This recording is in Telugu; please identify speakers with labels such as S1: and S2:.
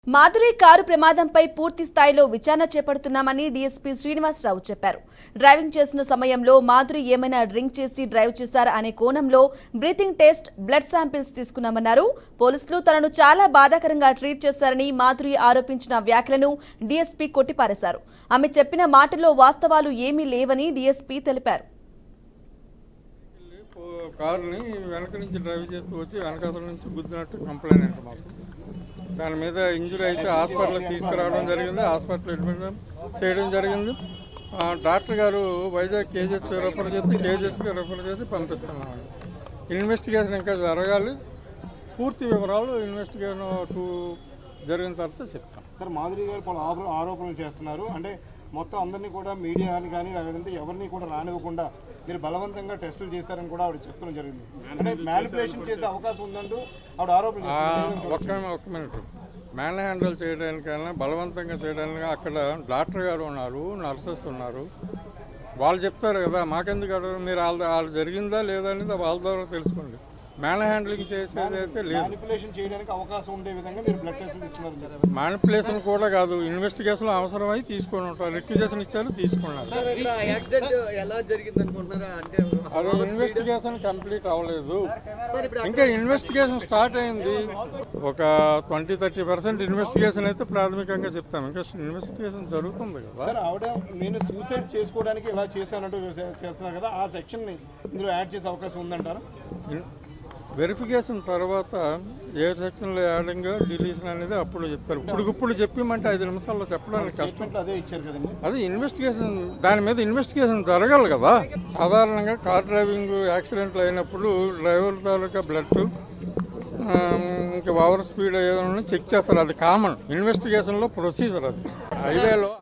S1: మాధురి కారు ప్రమాదంపై పూర్తి స్థాయిలో విచారణ చేపడుతున్నామని డీఎస్పీ శ్రీనివాసరావు చెప్పారు. డ్రైవింగ్ చేసిన సమయంలో మాధురి ఏమైనా డ్రింక్ చేసి డ్రైవ్ చేశారా అనే కోణంలో బ్రీతింగ్ టెస్ట్, బ్లడ్ శాంపిల్స్ తీసుకున్నామన్నారు. పోలీసులు తనను చాలా బాధాకరంగా ట్రీట్ చేశారని మాధురి ఆరోపించిన వ్యాఖ్యలను డీఎస్పీ కొట్టిపారేశారు. ఆమె చెప్పిన మాటల్లో వాస్తవాలు ఏమీ లేవని డీఎస్పీ తెలిపారు.
S2: కారుని వెనక నుంచి డ్రైవ్ చేస్తూ వచ్చి వెనకాతల నుంచి గుద్దినట్టు కంప్లైంట్ అంటే మాకు దాని మీద ఇంజురీ అయితే హాస్పిటల్కి తీసుకురావడం జరిగింది. హాస్పిటల్ అడ్మిట్ చేయడం జరిగింది. డాక్టర్ గారు వైజాగ్ కేజెస్ రెఫర్ చేసి కేజెస్కి రెఫర్ చేసి పంపిస్తున్నాను. ఇన్వెస్టిగేషన్ ఇంకా జరగాలి. పూర్తి వివరాలు ఇన్వెస్టిగేషన్ జరిగిన తర్వాత చెప్తాం.
S3: సార్, మాధురి గారు పలు ఆరోపణలు చేస్తున్నారు. అంటే మొత్తం అందరినీ కూడా మీడియాని కానీ లేదంటే ఎవరిని కూడా రానివ్వకుండా మీరు బలవంతంగా టెస్టులు చేశారని కూడా ఆవిడ చెప్పడం జరిగింది. అంటే మ్యానిపులేషన్ చేసే అవకాశం ఉందంటూ ఆవిడ ఆరోపణ
S2: ఒక్క మినిట్. మ్యాన్ హ్యాండిల్ చేయడానికైనా బలవంతంగా చేయడానికి అక్కడ డాక్టర్ గారు ఉన్నారు, నర్సెస్ ఉన్నారు. వాళ్ళు చెప్తారు కదా, మాకెందుకు అడగరు? మీరు వాళ్ళు జరిగిందా లేదా అనేది వాళ్ళ ద్వారా తెలుసుకోండి. మ్యాన్ హ్యాండ్లింగ్ చేసేది అయితే లేదు.
S3: మ్యానిపులేషన్ చేయడానికి అవకాశం ఉండే విధంగా మీరు బ్లడ్ టెస్టులు తీసుకున్నారు.
S2: మ్యానిపులేషన్ కూడా కాదు, ఇన్వెస్టిగేషన్ అవసరమై తీసుకొని ఉంటారు. రిక్విజేషన్ ఇచ్చారు, తీసుకున్నారు. అది ఇన్వెస్టిగేషన్ కంప్లీట్ అవ్వలేదు. ఇంకా ఇన్వెస్టిగేషన్ స్టార్ట్ అయింది. ఒక 20-30% ఇన్వెస్టిగేషన్ అయితే ప్రాథమికంగా చెప్తాం. ఇంకా ఇన్వెస్టిగేషన్ జరుగుతుంది కదా.
S3: సార్, ఆవిడ నేను సూసైడ్ చేసుకోవడానికి ఇలా చేశానంటూ చేస్తున్నారు కదా, ఆ సెక్షన్ని ఇందులో యాడ్ చేసే అవకాశం ఉందంటారా?
S2: వెరిఫికేషన్ తర్వాత ఏ సెక్షన్లో యాడింగ్ డిలీషన్ అనేది అప్పుడు చెప్తారు. ఇప్పుడు చెప్పమంటే 5 నిమిషాల్లో చెప్పడానికి కష్టం.
S3: అదే ఇచ్చారు కదండి.
S2: అది ఇన్వెస్టిగేషన్, దాని మీద ఇన్వెస్టిగేషన్ జరగాలి కదా. సాధారణంగా కార్ డ్రైవింగ్ యాక్సిడెంట్లు అయినప్పుడు డ్రైవర్ తాలూకా బ్లడ్ ఇంకా ఓవర్ స్పీడ్ ఏదైనా చెక్ చేస్తారు. అది కామన్ ఇన్వెస్టిగేషన్లో ప్రొసీజర్. అది హైవేలో